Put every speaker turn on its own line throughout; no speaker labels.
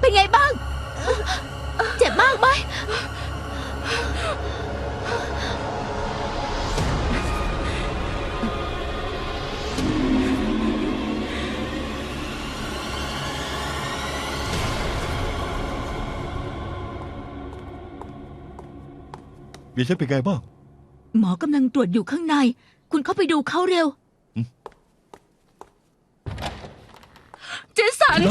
เป็นไงบ้างเจ็บมากไหม
เมียฉันเป็นไงบ้าง
หมอกำลังตรวจอยู่ข้างในคุณเข้าไปดูเขาเร็วเจสัน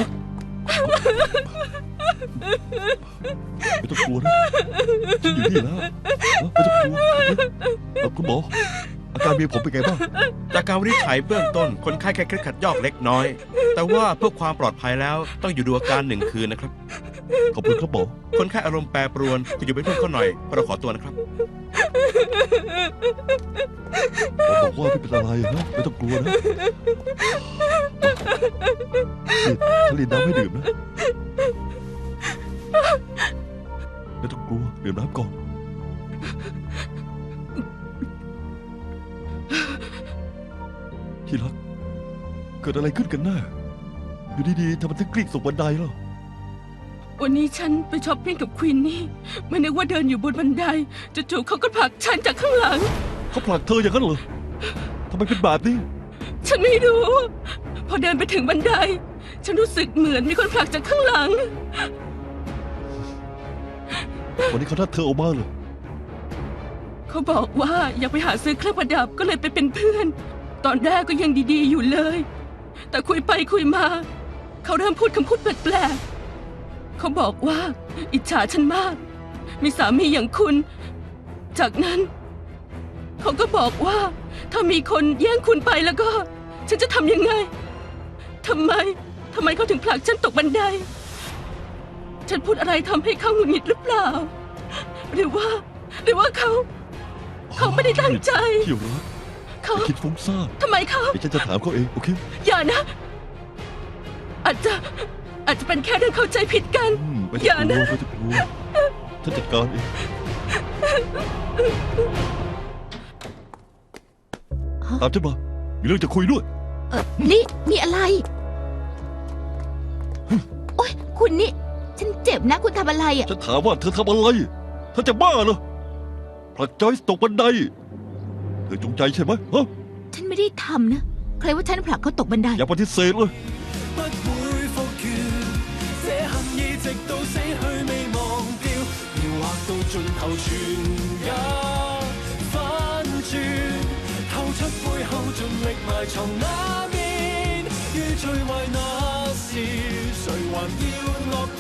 ไม่ต้องกลัวนะฉันอยู่นี่แล้วไม่ต้องกลัวคุณหมออาการเมียผมเป็นไงบ้าง
จากการวินิจฉัยเบื้องต้นคนไข้แค่เคล็ดขัดยอกเล็กน้อยแต่ว่าเพื่อความปลอดภัยแล้วต้องอยู่ดูอาการ1 คืนนะครับ
ขอบคุณครับหมอ
คนไข้อารมณ์แปรปรวนคุณอยู่เป็นเพื่อนเขาหน่อยเราขอตัวนะครับ
หมอบอกว่าไม่เป็นอะไรนะไม่ต้องกลัวนะฉันรีดน้ำให้ดื่มนะไม่ต้องกลัวดื่มน้ำก่อนที่รักเกิดอะไรขึ้นกันแน่อยู่ดีๆทำไมถึงกลิ้งตกบันไดล่ะ
วันนี้ฉันไปช้อปปิ้งกับควีนนี่ไม่นึกว่าเดินอยู่บนบันไดจู่ๆเขาก็ผลักฉันจากข้างหลัง
เขาผลักเธออย่างนั้นเหรอทำไมเป็นแบบนี้
ฉันไม่รู้พอเดินไปถึงบันไดฉันรู้สึกเหมือนมีคนผลักจากข้างหลัง
วันนี้เขานัดเธอออกมาเหรอ
เขาบอกว่าอยากไปหาซื้อเครื่องประดับก็เลยไปเป็นเพื่อนตอนแรกก็ยังดีๆอยู่เลยแต่คุยไปคุยมาเขาเริ่มพูดคำพูดแปลกๆเขาบอกว่าอิจฉาฉันมากมีสามีอย่างคุณจากนั้นเขาก็บอกว่าถ้ามีคนแย่งคุณไปแล้วก็ฉันจะทำยังไงทำไมเขาถึงผลักฉันตกบันไดฉันพูดอะไรทำให้เขาหงุดหงิดหรือเปล่าหรือว่าเขาไม่ได้ตั้งใจ
ที่รักเขาคิดฟุ้งซ่าน
ทำไมเขา
ฉันจะถามเขาเองโอเค
อย่านะอาจจะเป็นแค่เรื่องเข้าใจผิดกัน
อย่านะไม่ต้องกลัวฉันจัดการเองตามฉันมามีเรื่องจะคุยด้วย
นี่มีอะไรโอ๊ยคุณนี่ฉันเจ็บนะคุณทำอะไรอ่ะ
ฉันถามว่าเธอทำอะไรเธอจะบ้าเหรอผลักจอยส์ตกบันไดเธอจงใจใช่ไหมฮะ
ฉันไม่ได้ทำนะใครว่าฉันผลักเขาตกบันได
อย่าปฏิเสธเลย
盡頭全也反轉，透出背後盡力埋藏那面，於最壞那時，誰還要樂？